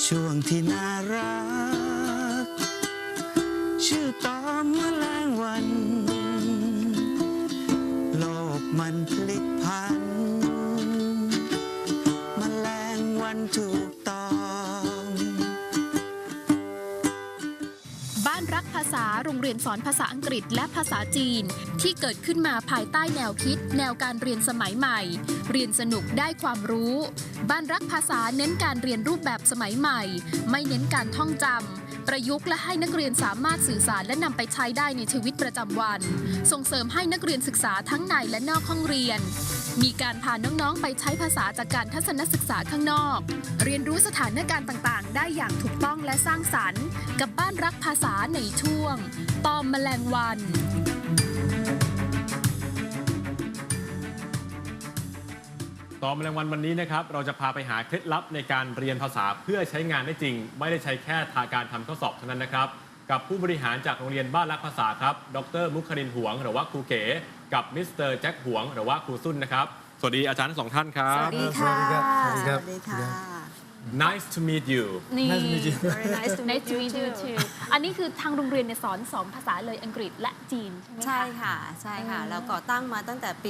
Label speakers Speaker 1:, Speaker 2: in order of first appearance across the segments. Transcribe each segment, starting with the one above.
Speaker 1: ช่วงที่น่ารักชื่อตอมแมลงวันโลกมันพลิกพันแมลงวันถูกตอม
Speaker 2: บ้านรักภาษาโรงเรียนสอนภาษาอังกฤษและภาษาจีนที่เกิดขึ้นมาภายใต้แนวคิดแนวการเรียนสมัยใหม่เรียนสนุกได้ความรู้บ้านรักภาษาเน้นการเรียนรูปแบบสมัยใหม่ไม่เน้นการท่องจำประยุกต์และให้นักเรียนสามารถสื่อสารและนำไปใช้ได้ในชีวิตประจำวันส่งเสริมให้นักเรียนศึกษาทั้งในและนอกห้องเรียนมีการพาน้องๆไปใช้ภาษาจากการทัศนศึกษาข้างนอกเรียนรู้สถานการณ์ต่างๆได้อย่างถูกต้องและสร้างสรรค์กับบ้านรักภาษาในช่วงตอมแมลงวัน
Speaker 3: ตอมแมลงวันวันนี้นะครับเราจะพาไปหาเคล็ดลับในการเรียนภาษาเพื่อใช้งานได้จริงไม่ได้ใช้แค่การทำข้อสอบเท่านั้นนะครับกับผู้บริหารจากโรงเรียนบ้านรักภาษาครับดร.มุขรินทร์หวงหรือว่าครูเก๋กับมิสเตอร์แจ็คหวงหรือว่าครูซุ่นนะครับสวัสดีอาจารย์ทั้งสองท่านครับ
Speaker 4: สวัสดีค่ะ
Speaker 1: สวัสดีค่ะ
Speaker 3: Nice to meet you
Speaker 2: นี่
Speaker 4: Very nice to meet you too
Speaker 2: อันนี้คือทางโรงเรียนเนี่ยสอน2 ภาษาเลยอังกฤษและจีนใช่ไหมคะ
Speaker 4: ใช่ค่ะ ใช่ค่ะ แล้วก่อตั้งมาตั้งแต่ปี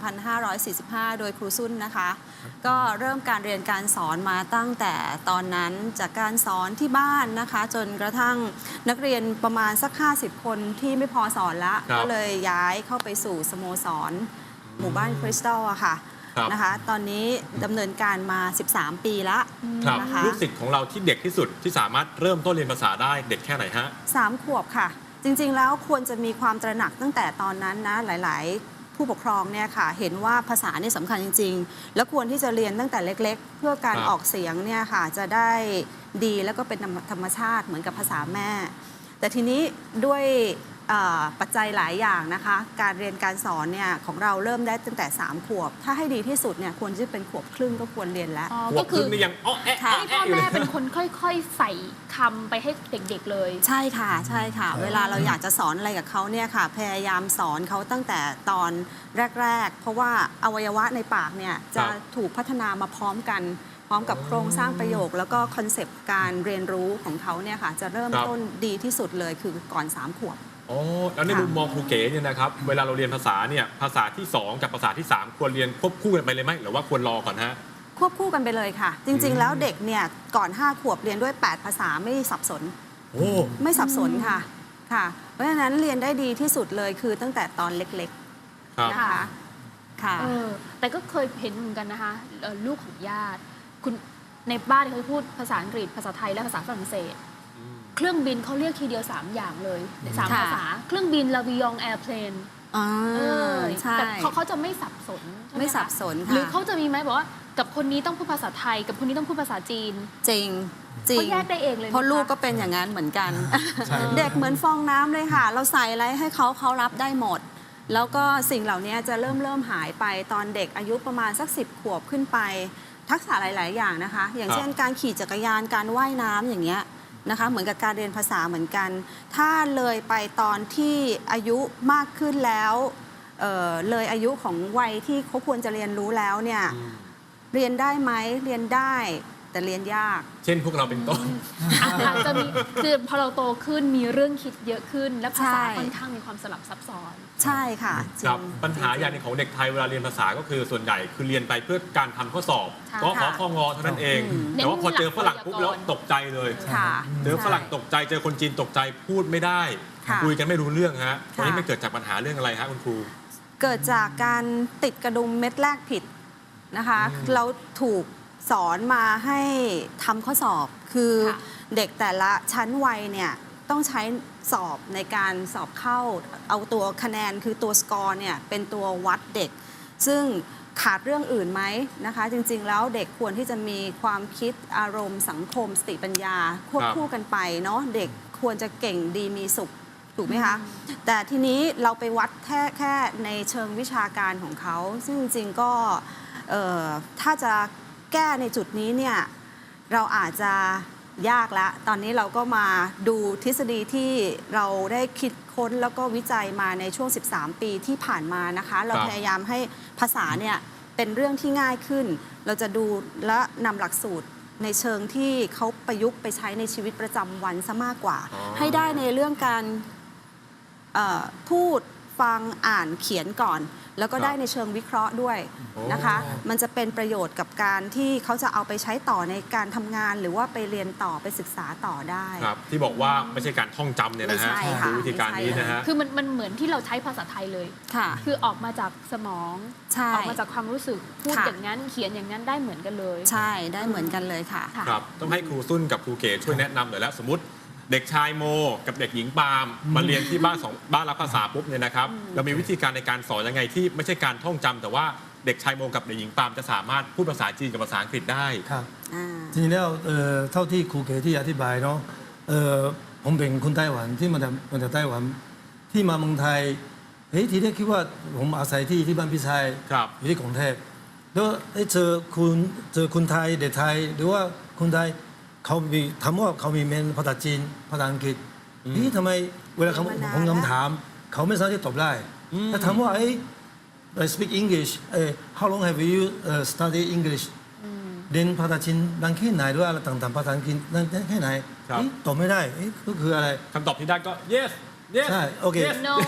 Speaker 4: 2545 โดยครูซุ่นนะคะ ก็เริ่มการเรียนการสอนมาตั้งแต่ตอนนั้นจากการสอนที่บ้านนะคะ จนกระทั่งนักเรียนประมาณสัก 50 คนที่ไม่พอสอนละ ก็เลยย้ายเข้าไปสู่สโมสรหมู่บ้านคริสตัลอะค่ะนะคะ ตอนนี้ดำเนินการมา 13 ปีละ
Speaker 3: ครับ
Speaker 4: นะคะ
Speaker 3: ลูกศิษย์ของเราที่เด็กที่สุดที่สามารถเริ่มต้นเรียนภาษาได้เด็กแค่ไหนฮะ
Speaker 4: 3 ขวบค่ะ จริงๆแล้วควรจะมีความตระหนักตั้งแต่ตอนนั้นนะหลายๆ ผู้ปกครองเนี่ยค่ะเห็นว่าภาษาเนี่ยสำคัญจริงๆ แล้วควรที่จะเรียนตั้งแต่เล็กๆ เพื่อการ
Speaker 3: ครับ
Speaker 4: ออกเสียงเนี่ยค่ะจะได้ดีแล้วก็เป็นธรรมชาติเหมือนกับภาษาแม่ แต่ทีนี้ด้วยปัจจัยหลายอย่างนะคะการเรียนการสอนเนี่ยของเราเริ่มได้ตั้งแต่ 3 ขวบ ถ้าให้ดีที่สุดเนี่ยควรจะเป็นขวบครึ่งก็ควรเรียนแล้ว
Speaker 3: หัว
Speaker 2: ก็
Speaker 3: ค
Speaker 2: คื
Speaker 3: รึ่
Speaker 2: อง
Speaker 3: นี่ยังอ้อแอะ
Speaker 4: ค่ะ
Speaker 2: ให้พ่อแม่เป็นคนค่อยๆ ใส่คำไปให้เด็กๆเลย
Speaker 4: ใช่ค่ะใช่ค่ะ เวลาเราอยากจะสอนอะไรกับเขาเนี่ยค่ะพยายามสอนเขาตั้งแต่ตอนแรกๆ เพราะว่าอวัยวะในปากเนี่ยจะถูกพัฒนามาพร้อมกัน พร้อมกับโครงสร้างประโยค แล้วก็คอนเซปต์การเรียนรู้ของเขาเนี่ยค่ะจะเริ่มต้นดีที่สุดเลยคือก่อน 3 ขวบ
Speaker 3: อ๋อแล้วในมุมมองครูเก๋เนี่ยนะครับเวลาเราเรียนภาษาเนี่ยภาษาที่ 2 กับภาษาที่ 3 ควรเรียนควบคู่กันไปเลยไหมหรือว่าควรรอก่อนฮะ
Speaker 4: ควบคู่กันไปเลยค่ะ จริงๆ แล้วเด็กเนี่ยก่อน 5 ขวบเรียนด้วย 8 ภาษาไม่สับสน
Speaker 3: โอ้
Speaker 4: ไม่สับสนค่ะค่ะ เพราะฉะนั้นเรียนได้ดีที่สุดเลยคือตั้งแต่ตอนเล็ก
Speaker 3: ครับ
Speaker 4: ๆนะคะค่ะ
Speaker 2: แต่ก็เคยเห็นเหมือนกันนะคะลูกของญาติคุณในบ้านเขาจะพูดภาษาอังกฤษภาษาไทยและภาษาฝรั่งเศสเครื่องบินเขาเรียกทีเดียว 3 อย่างเลย3
Speaker 4: ค่ะ
Speaker 2: ภาษาเครื่องบินลาวิยองแอร์เพลน
Speaker 4: อ่าใช่
Speaker 2: แต่เขาจะไม่สับสนใช่ห
Speaker 4: ไม่สับสนค่ะ
Speaker 2: หรือเขาจะมีไหมบอกว่ากับคนนี้ต้องพูดภาษาไทย กับคนนี้ต้องพูดภาษาจีน
Speaker 4: จริงจริง
Speaker 2: เขาแยกได้เองเลยไหม
Speaker 4: เพราะลูก
Speaker 2: ค
Speaker 4: ก็เป็นอย่างนั้นเหมือนกัน เด็กเหมือนฟองน้ำเลยค่ะ เราใส่อะไรให้เขารับได้หมด แล้วก็สิ่งเหล่านี้จะเริ่มหายไปตอนเด็กอายุประมาณสัก10 ขวบขึ้นไป ทักษะหลาย ๆ อย่างนะคะ อย่างเช่นการขี่จักรยานการว่ายน้ำอย่างเงี้ยนะคะเหมือนกับการเรียนภาษาเหมือนกัน ถ้าเลยไปตอนที่อายุมากขึ้นแล้วเลยอายุของวัยที่เขาควรจะเรียนรู้แล้วเนี่ยเรียนได้ไหมเรียนได้แต่เรียนยาก
Speaker 3: เช่นพวกเราเป็นต้น
Speaker 2: อาจจะมีคือพอเราโตขึ้นมีเรื่องคิดเยอะขึ้น และภาษา
Speaker 4: ใช่
Speaker 2: ค่อนข้างมีความสลับซับซ้อน
Speaker 4: ใช่ค่ะจริง
Speaker 3: ครับปัญหาอย่างหนึงของเด็กไทยเวลาเรียนภาษาก็คือส่วนใหญ่คือเรียนไปเพื่อการทำข้อสอบ
Speaker 2: ใช่
Speaker 3: ก็ขอ
Speaker 4: ค่ะ
Speaker 3: ข้องอเท่านั้นเอง
Speaker 2: เน้น
Speaker 3: แต่ว่าพอเจอฝรั่ง
Speaker 2: หลักไวยากรณ์
Speaker 3: ปุ๊บแล้วตกใจเลย
Speaker 4: ค่ะ
Speaker 3: เจอฝรั่งตกใจเจอคนจีนตกใจพูดไม่ได้
Speaker 4: ค่ะ
Speaker 3: คุยกันไม่รู้เรื่องฮะ
Speaker 4: ค่ะ
Speaker 3: ตอนนี้มันเกิดจากปัญหาเรื่องอะไรฮะคุณครู
Speaker 4: เกิดจากการติดกระดุมเม็ดแรกผิดนะคะเราถูกสอนมาให้ทำข้อสอบ คือ
Speaker 2: ค่ะ
Speaker 4: เด็กแต่ละชั้นวัยเนี่ยต้องใช้สอบในการสอบเข้าเอาตัวคะแนนคือตัวสกอร์เนี่ยเป็นตัววัดเด็ก ซึ่งขาดเรื่องอื่นไหมนะคะ จริงๆแล้วเด็กควรที่จะมีความคิดอารมณ์สังคมสติปัญญาควบคู่กันไปเนาะเด็กควรจะเก่งดีมีสุขถูกไหมคะ แต่ทีนี้เราไปวัดแค่ในเชิงวิชาการของเขา ซึ่งจริงๆก็ถ้าจะแก้ในจุดนี้เนี่ยเราอาจจะยากแล้ว ตอนนี้เราก็มาดูทฤษฎีที่เราได้คิดค้นแล้วก็วิจัยมาในช่วง 13 ปีที่ผ่านมานะคะ เราพยายามให้ภาษาเนี่ยเป็นเรื่องที่ง่ายขึ้น เราจะดูและนำหลักสูตรในเชิงที่เขาประยุกต์ไปใช้ในชีวิตประจำวันซะมากกว่า
Speaker 3: อ๋อ
Speaker 4: ให้ได้ในเรื่องการพูดฟังอ่านเขียนก่อน แล้วก็ได้ในเชิงวิเคราะห์ด้วยนะคะ มันจะเป็นประโยชน์กับการที่เขาจะเอาไปใช้ต่อในการทำงาน หรือว่าไปเรียนต่อไปศึกษาต่อได้
Speaker 3: ครับที่บอกว่าไม่ใช่การท่องจำเนี่ยนะฮะ
Speaker 4: ไม่ใช่ค่ะ
Speaker 3: คือวิธีการนี้นะฮะ
Speaker 2: คือมันเหมือนที่เราใช้ภาษาไทยเลย
Speaker 4: ค่ะ
Speaker 2: คือออกมาจากสมอง
Speaker 4: ใช่
Speaker 2: ออกมาจากความรู้สึกพูด
Speaker 4: ค่ะ
Speaker 2: อย่างนั้นเขียนอย่างนั้นได้เหมือนกันเลย
Speaker 4: ใช่ได้เหมือนกันเลยค่ะ
Speaker 2: ค่ะ
Speaker 3: ครับต้องให้ครูซุ่นกับครูเก๋ช่วยแนะนำหน่อยแล้วสมมติเด็กชายโมกับเด็กหญิงปาล์มมาเรียนที่บ้านรับภาษาปุ๊บเนี่ยนะครับเรามีวิธีการในการสอนยังไงที่ไม่ใช่การท่องจำแต่ว่าเด็กชายโมกับเด็กหญิงปาล์มจะสามารถพูดภาษาจีนกับภาษาอังกฤษได้
Speaker 5: ครับ
Speaker 4: อ่า
Speaker 5: จริงๆแล้วเท่าที่ครูเก๋ที่อธิบายเนาะผมเป็นคนไต้หวันที่มาจากไต้หวันที่มาเมืองไทยทีแรกคิดว่าผมอาศัยที่บ้านพี่ชาย
Speaker 3: ครับ
Speaker 5: อยู่ที่กรุงเทพแล้วเจอคุณไทยเด็กไทยหรือว่าคนไทยเขามีถามว่าเขามีเมนภาษาจีนภาษาอังกฤษทำไมเวลาเขาผมคำถามเขาไม่สามารถที่ตอบได้แต่ถามว่าI speak English how long have you studied English เรียนภาษาจีนนานแค่ไหนหรือว่าอะไรต่างๆภาษาอังกฤษนานแค่ไหน
Speaker 3: ครับ
Speaker 5: ตอบไม่ได้ก็คืออะไร
Speaker 3: คำตอบที่ได้ก็ yes yes
Speaker 5: ใช่โอเค
Speaker 3: yes
Speaker 2: no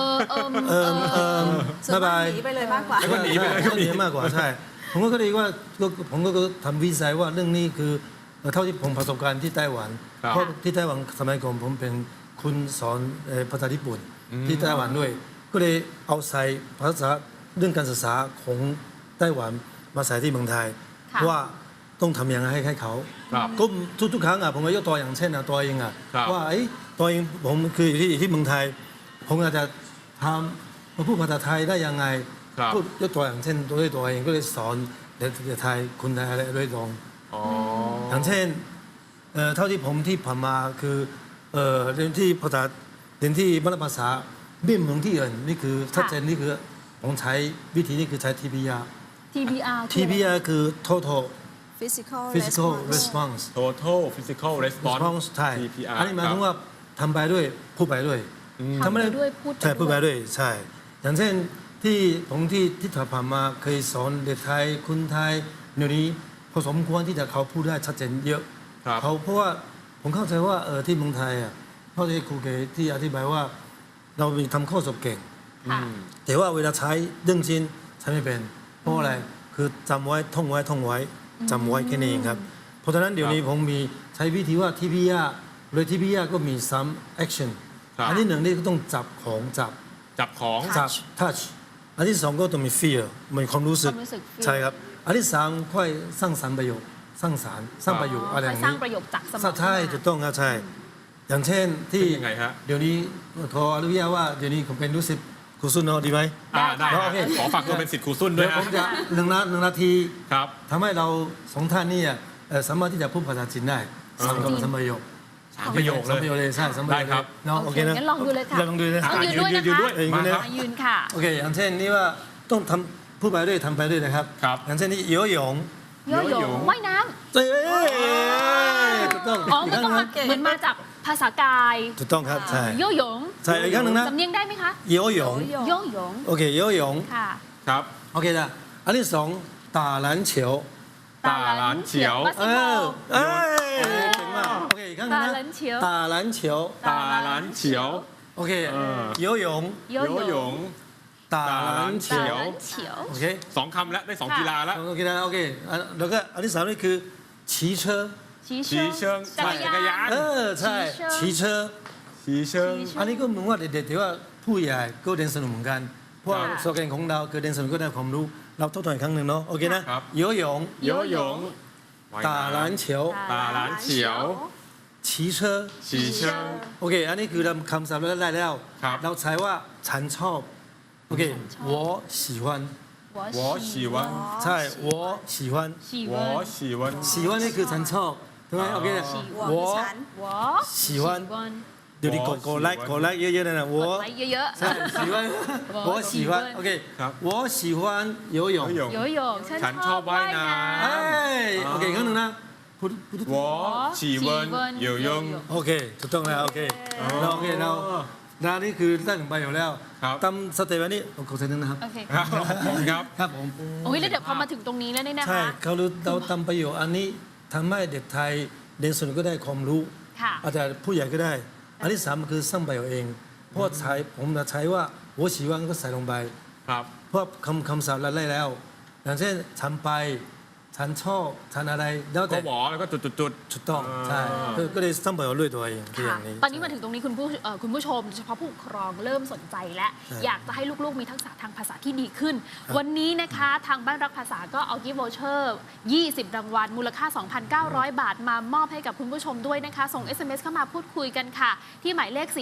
Speaker 4: ส่วนมาก
Speaker 5: บ๊ายบาย
Speaker 4: หนีไปเลยมากกว่า
Speaker 3: แล้วก็หนีไปเลยก็มี
Speaker 5: หนีมากกว่าใช่ผมก็เลยว่าผมก็ทำวิจัยว่าเรื่องนี้คือเท่าที่ผมประสบการณ์ที่ไต้หวัน
Speaker 3: ครับ
Speaker 5: เพราะที่ไต้หวันสมัยก่อนผมเป็นคุณสอนภาษาญี่ปุ่นที่ไต้หวันด้วย ก็เลยเอาใส่ภาษาเรื่องการศึกษาของไต้หวันมาใส่ที่เมืองไทย
Speaker 2: ค่ะ
Speaker 5: ว่าต้องทำยังไงให้เขา
Speaker 3: ครับ
Speaker 5: ก็ทุกๆครั้งผมก็ยกตัวอย่างเช่นตัวเอง
Speaker 3: ครับ
Speaker 5: ว่าตัวเองผมคืออยู่ที่เมืองไทย ผมอาจจะทำมาพูดภาษาไทยได้ยังไง
Speaker 3: ครับ
Speaker 5: พูดยกตัวอย่างเช่นตัวเองก็เลยสอนเด็กไทยคนไทยอะไรด้วยตรง
Speaker 3: อ๋อ
Speaker 5: อย่างเช่นเท่าที่ผมที่ผ่านมาคือเรียนที่ภาษาเรียนที่บ้านภาษาไม่เหมือนที่อื่นนี่คือชัดเจนนี่คือผมใช้วิธีนี้คือใช้ TBR
Speaker 2: TBR คืออะไร
Speaker 5: TBR คือ total
Speaker 4: physical
Speaker 5: physical
Speaker 4: response
Speaker 5: response
Speaker 3: total physical response
Speaker 5: response ใช่
Speaker 3: TPR
Speaker 5: อันนี้หมายถึงว่าทำไปด้วยพูดไปด้วย
Speaker 2: ทำไปด้วยพูดไป
Speaker 5: ใช่พูดไป
Speaker 2: ด้วย
Speaker 5: ด้วยใช่ อย่างเช่นที่ผมที่ผ่านมาเคยสอนเด็กไทยคนไทยเดี๋ยวนี้พอสมควรที่จะเขาพูดได้ชัดเจนเยอะ
Speaker 3: ครับ
Speaker 5: เขาเพราะว่าผมเข้าใจว่าที่เมืองไทยเพราะที่ครูเกที่อธิบายว่าเรามีทำข้อสอบเก่ง
Speaker 2: ค่ะ
Speaker 5: แต่ว่าเวลาใช้เรื่องจริงใช้ไม่เป็นเพราะอะไรคือจำไว้ท่องไว้จำไว้แค่นี้เองครับเพราะฉะนั้นเดี๋ยวนี้ผมมีใช้วิธีว่าที่พี่ยาเลยที่พี่ยาก็มี some action
Speaker 3: ครับ
Speaker 5: อันที่หนึ่งนี่ก็ต้องจับของจับ
Speaker 3: จับของ
Speaker 5: จับ touch อันที่สองก็ต้องมี feel มีความรู้สึก
Speaker 2: ความรู้สึก feel
Speaker 5: ใช่ครับอันที่สามค่อยสร้างสรรค์ประโยคสร้างสรรค์สร้างประโยคอะไรอย่าง
Speaker 2: สร้าง
Speaker 5: นี้
Speaker 2: ประโยคจากสมอง
Speaker 5: ใช่ถูกต้องครับใช่ อย่างเช่นที่
Speaker 3: เป็นยังไงฮะ
Speaker 5: เดี๋ยวนี้ขออนุญาตว่าเดี๋ยวนี้ผมเป็นรู้สึกครูซุนเนาะดีไหม
Speaker 3: ได้
Speaker 5: โอเค
Speaker 3: ขอฝากตัวเป็นสิทธิ์ครูซุ่นด้ว
Speaker 5: เดี๋
Speaker 3: ย
Speaker 5: ยว
Speaker 3: ฮะ
Speaker 5: ผมจะหนึ่งนาที
Speaker 3: ครับ
Speaker 5: ทำให้เราสองท่านนี่สามารถที่จะพูดภาษาจีนได้สามคำสามประโยค
Speaker 3: สามประโยค
Speaker 5: สามประ
Speaker 3: เล
Speaker 5: โยค
Speaker 3: ย
Speaker 5: เลยใช่สามประโยค
Speaker 3: ได้ครับ
Speaker 5: เนาะโอเคนะ
Speaker 2: งั้นลองดูเลยค่ะ
Speaker 5: ลองดูเลย
Speaker 2: ต้องยืนด้วยนะคะ
Speaker 3: ยืนด้วย
Speaker 5: ยืนด้วย
Speaker 3: มาครับ
Speaker 2: ยืนค่ะ
Speaker 5: โอเคอย่างเช่นนี่ว่าต้องทำพูดไปด้วยทำไปด้วยนะครับ
Speaker 3: ครับ
Speaker 5: อย่างเช่นนี่โยหยง
Speaker 2: โยโย่ว่ายน้
Speaker 5: เอ้ยถูกต้อง
Speaker 2: ำอ๋อมันต้องมาเหมือนมาจากภาษากาย
Speaker 5: ถูกต้องครับใช่
Speaker 2: โยโย่
Speaker 5: ใช่อีกครั้งหนึ่งนะ
Speaker 2: สำเนียงได้ไหมคะ
Speaker 5: โยหยง
Speaker 2: โยโย่
Speaker 5: โอเคโยหยง
Speaker 2: ค่ะ
Speaker 3: ครับ
Speaker 5: โอเคนะอันที่สอง打篮球
Speaker 3: ตาหลานเฉียว
Speaker 2: บาส
Speaker 5: เอ
Speaker 2: เกตบอ
Speaker 5: อ
Speaker 2: ล
Speaker 5: เอ้ยเก่งมากโอเคอีกครั้งหนึงนะ
Speaker 2: 打篮球
Speaker 5: 打篮球
Speaker 3: ตาหลานเฉียว
Speaker 5: โอเค游泳
Speaker 2: โย
Speaker 3: โยหย
Speaker 2: โย่
Speaker 3: ง
Speaker 5: 打篮
Speaker 2: 打
Speaker 5: 球
Speaker 2: 篮球
Speaker 5: โอเค
Speaker 3: สองคำแล้วได้สองกีฬาแล้ว
Speaker 5: โอเคนะโอเคแล้วก็อันที่สามนี่คือ骑车
Speaker 2: 骑
Speaker 3: 骑เชิง
Speaker 2: จักร
Speaker 3: จักรยาย
Speaker 2: าน น
Speaker 5: ใช่骑车
Speaker 3: ชีเชิง
Speaker 5: อันนี้ก็เหมือนว่าเด็กๆที่ว่าผู้ใหญ่ก็เรียนสนุกเหมือนกันเพราะว่า
Speaker 2: ค่ะ
Speaker 5: โซแกนของเราคือเรียนสนุกก็ได้ความรู้เราทบทวนอีกครั้งหนึ่งเนาะโอเคนะครับ 游泳
Speaker 3: โยหยง
Speaker 5: 打篮球
Speaker 3: ตาหลานเฉียว
Speaker 5: 骑车
Speaker 3: ชีเชิง
Speaker 5: โอเค อันนี้คือเราคำศัพท์เราได้แล้ว
Speaker 3: ครับ
Speaker 5: เราใช้ว่าฉันชอบ โอเค我喜欢
Speaker 3: 我喜欢
Speaker 5: ใช่我喜欢
Speaker 2: 喜
Speaker 3: 我
Speaker 2: 欢
Speaker 3: 喜欢
Speaker 5: 喜欢นี่คือฉันชอบถูกไหมโอเค
Speaker 4: 我
Speaker 5: 我
Speaker 4: ฉัน
Speaker 2: 我
Speaker 5: 喜欢เดี๋ยวนี้กดไลค์เยอะๆเลยนะ我
Speaker 2: กดไลค์เยอะ
Speaker 5: ใช่喜欢我喜欢โอเค
Speaker 3: ครับ
Speaker 5: 我喜欢游泳
Speaker 3: โยหยง
Speaker 2: ๆโยโย่
Speaker 3: ฉันชอบว่ายน้ำ
Speaker 5: เอ้ยโอเคอีกครั้งหนึ่งนะพูด
Speaker 3: 我喜欢游泳
Speaker 5: โอเคถูกต้องแล้วโอเคเราโอเคเรานานี่คือได้ถึงประโยชน์แล้ว
Speaker 3: ครับ
Speaker 5: ตามสเต็ปอันนี้ขอเซ็นนึงนะครับ
Speaker 2: โอเค
Speaker 3: ครับครับ
Speaker 5: ครับผม
Speaker 2: โอ้ยแล้วเดี๋ยวพอมาถึงตรงนี้แล้วเนี่ยนะ
Speaker 5: ใช่
Speaker 2: คะ
Speaker 5: เขารู้เราทำประโยชน์อันนี้ทำให้เด็กไทยเรียนสนุกก็ได้ความรู้
Speaker 2: ค่ะ
Speaker 5: อาจจะผู้ใหญ่ก็ได้ อันที่สามคือสร้างไปเอาเอง เพราะใช้ผมจะใช้ว่าหัวฉีว่างก็ใส่ลงไป
Speaker 3: ครับ
Speaker 5: เพราะคำศัพท์เราได้แล้ว อย่างเช่นฉันไปฉันชอบฉันอะไรแล้ว
Speaker 3: ก็
Speaker 5: แต่
Speaker 3: หวอแล้วก็จุด
Speaker 5: ถูกต้องใช่ก็เลยสร้างไปเอาด้วยตัวเองคืออ
Speaker 2: ค่ะ
Speaker 5: ย่างนี้
Speaker 2: ตอนนี้มาถึงตรงนี้คุณผู้ชมโดยเฉพาะผู้ปกครองเริ่มสนใจและ
Speaker 5: ใช่
Speaker 2: อยากจะให้ลูกๆมีทักษะทางภาษาที่ดีขึ้น วันนี้นะคะทางบ้านรักภาษาก็เอากิฟต์วอเชอร์20 รางวัลมูลค่า 2,900 บาทมามอบให้กับคุณผู้ชมด้วยนะคะ ส่ง SMS เข้ามาพูดคุยกันค่ะ ที่หมายเลข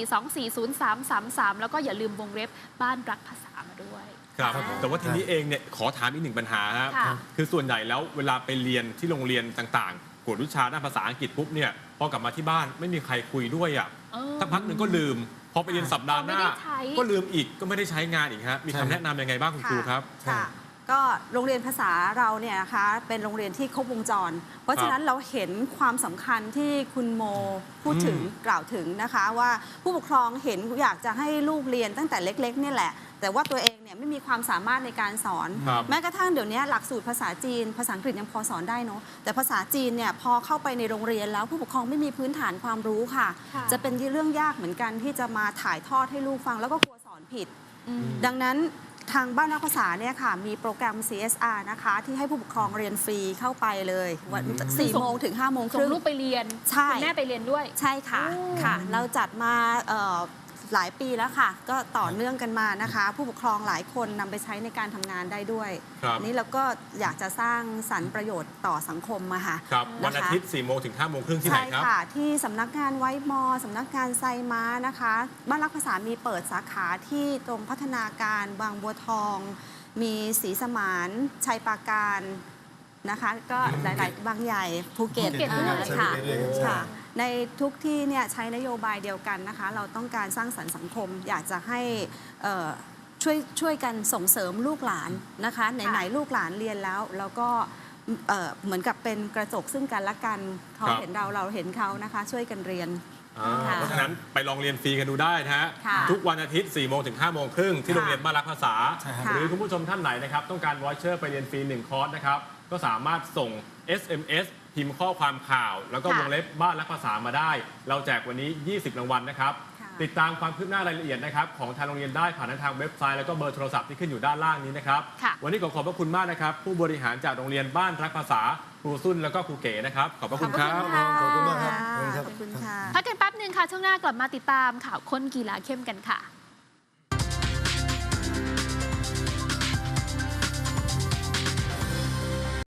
Speaker 2: 4240333 แล้วก็อย่าลืมวงเล็บบ้านรักภาษามาด้วย
Speaker 3: ครับ
Speaker 2: ค่ะ
Speaker 3: แต่ว่าทีนี้เองเนี่ยขอถามอีกหนึ่งปัญหาครับ
Speaker 2: ค่ะ
Speaker 3: คือส่วนใหญ่แล้วเวลาไปเรียนที่โรงเรียนต่างๆกวดวิชาด้านภาษาอังกฤษปุ๊บเนี่ยพอกลับมาที่บ้านไม่มีใครคุยด้วยอ่ะ
Speaker 2: เออ
Speaker 3: สักพักหนึ่งก็ลืม พอไปเรียนสัปดาห์หน้า
Speaker 2: ไม่ได้ใช้
Speaker 3: ก็ลืมอีกก็ไม่ได้ใช้งานอีกฮะมีคำแนะนำยังไงบ้างคุณครูครับ
Speaker 4: ค่ะ ก็โรงเรียนภาษาเราเนี่ยนะคะเป็นโรงเรียนที่ครบวงจร เพราะฉะนั้นเราเห็นความสำคัญที่คุณโมพูดถึงกล่าวถึงนะคะว่าผู้ปกครองเห็นอยากจะให้ลูกเรียนตั้งแต่เล็กๆเนี่ยแหละ แต่ว่าตัวเองเนี่ยไม่มีความสามารถในการสอน
Speaker 3: ครับ
Speaker 4: แม้กระทั่งเดี๋ยวนี้หลักสูตรภาษาจีน ภาษาอังกฤษยังพอสอนได้เนาะแต่ภาษาจีนเนี่ยพอเข้าไปในโรงเรียนแล้วผู้ปกครองไม่มีพื้นฐานความรู้ค่ะ
Speaker 2: ค่ะ
Speaker 4: จะเป็นเรื่องยากเหมือนกันที่จะมาถ่ายทอดให้ลูกฟังแล้วก็กลัวสอนผิด
Speaker 2: อืม
Speaker 4: ดังนั้นทางบ้านนักภาษาเนี่ยค่ะมีโปรแกรม CSR นะคะที่ให้ผู้ปกครองเรียนฟรีเข้าไปเลยวัน4 โมงถึง 5 โมงค
Speaker 2: ส่ง
Speaker 4: รึ่ง
Speaker 2: ลูกไปเรียน
Speaker 4: ใช่
Speaker 2: คุณแม่ไปเรียนด้วย
Speaker 4: ใช่ค่ะ
Speaker 2: โอ้
Speaker 4: ค่ะ เราจัดมาหลายปีแล้วค่ะ ก็ต่อเนื่องกันมานะคะ ผู้ปกครองหลายคนนำไปใช้ในการทำงานได้ด้วย
Speaker 3: ครับ
Speaker 4: นี่เราก็อยากจะสร้างสรรค์ประโยชน์ต่อสังคมมาค่ะ
Speaker 3: ครับ
Speaker 4: นะคะ
Speaker 3: วันอาทิตย์4 โมงถึง 5 โมงครึ่งที่ไหน
Speaker 4: ใช่
Speaker 3: ครับ
Speaker 4: ค่ะ ที่สำนักงานไว้มอสำนักงานไซม้านะคะบ้านรักภาษามีเปิดสาขาที่ตรงพัฒนาการบางบัวทอง มีศรีสมานชัยปราการนะคะ ก็หลายๆ บางใหญ่ภูเก็ต
Speaker 2: ภูเก็ตด้วย
Speaker 4: ค่ะ
Speaker 5: ใช่ภูเก็ตด้วย
Speaker 4: ค่ะ ในทุกที่เนี่ยใช้นโยบายเดียวกันนะคะ เราต้องการสร้างสรรค์สังคม อยากจะให้ช่วยกันส่งเสริมลูกหลานนะคะไหนๆลูกหลานเรียนแล้วแล้วก็เหมือนกับเป็นกระจกซึ่งกันและกันเขา
Speaker 3: ครับ
Speaker 4: เห็นเราเห็นเขานะคะ ช่วยกันเรียน ค่ะ
Speaker 3: เพราะฉะนั้นไปลองเรียนฟรีกันดูได้นะฮะ
Speaker 4: ค่ะ
Speaker 3: ทุกวันอาทิตย์4 โมงถึง 5 โมงครึ่งที่
Speaker 4: ค่ะ
Speaker 3: โรงเรียนบ้านรักภาษา
Speaker 5: ใช่ครับ
Speaker 4: ค่ะ
Speaker 3: หรือคุณผู้ชมท่านไหนนะครับต้องการวอเชอร์ไปเรียนฟรี1 คอร์สนะครับก็สามารถส่ง SMS พิมพ์ข้อความข่าว แล้วก็
Speaker 4: ค่ะ
Speaker 3: วงเล็บบ้านรักภาษามาได้ เราแจกวันนี้ 20 รางวัลนะครับ
Speaker 4: ค่ะ
Speaker 3: ติดตามความคืบหน้ารายละเอียดนะครับของทางโรงเรียนได้ผ่านทางเว็บไซต์แล้วก็เบอร์โทรศัพท์ที่ขึ้นอยู่ด้านล่างนี้นะครับ
Speaker 2: ค่ะ
Speaker 3: วันนี้ขอบพระคุณมากนะครับผู้บริหารจากโรงเรียนบ้านรักภาษาครูซุ่นแล้วก็ครูเก๋นะครับขอบพระคุณครับ
Speaker 5: ขอบคุณมากครับ
Speaker 4: ขอบคุณค่ะ
Speaker 2: พักกันแป๊บหนึ่งค่ะ ช่วงหน้ากลับมาติดตามข่าวค้นกีฬาเข้มกันค่ะ